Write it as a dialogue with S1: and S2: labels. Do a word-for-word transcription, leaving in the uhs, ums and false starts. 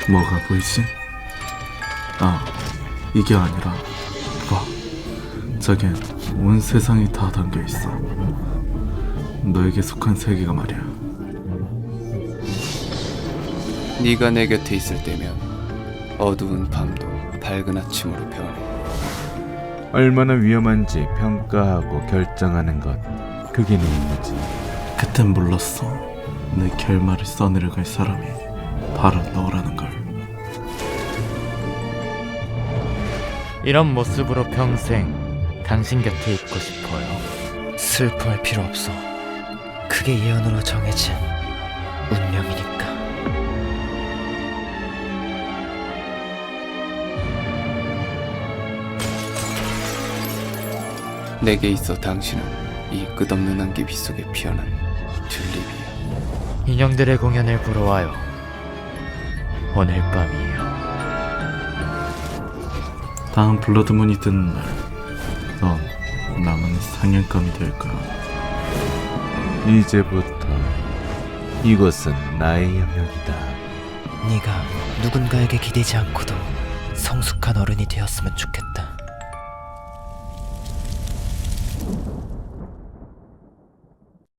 S1: 뭐가 보이지? 아, 이게 아니라 봐, 저긴 온 세상이 다 담겨있어. 너에게 속한 세계가 말이야.
S2: 네가 내 곁에 있을 때면 어두운 밤도 밝은 아침으로 변해.
S3: 얼마나 위험한지 평가하고 결정하는 것, 그게 네 임무지.
S1: 그땐 몰랐어. 내 결말을 써내려갈 사람이 바로 너라는 걸.
S4: 이런 모습으로 평생 당신 곁에 있고 싶어요.
S5: 슬퍼할 필요 없어. 그게 예언으로 정해진 운명이니까.
S2: 내게 있어 당신은 이 끝없는 안개비 속에 피어난 튤립이야.
S4: 인형들의 공연을 보러 와요. 오늘 밤이에요.
S1: 다음 블러드문이 뜨는 날, 넌 남은 상영감이 될 거야.
S3: 이제부터 이곳은 나의 영역이다.
S5: 네가 누군가에게 기대지 않고도 성숙한 어른이 되었으면 좋겠다.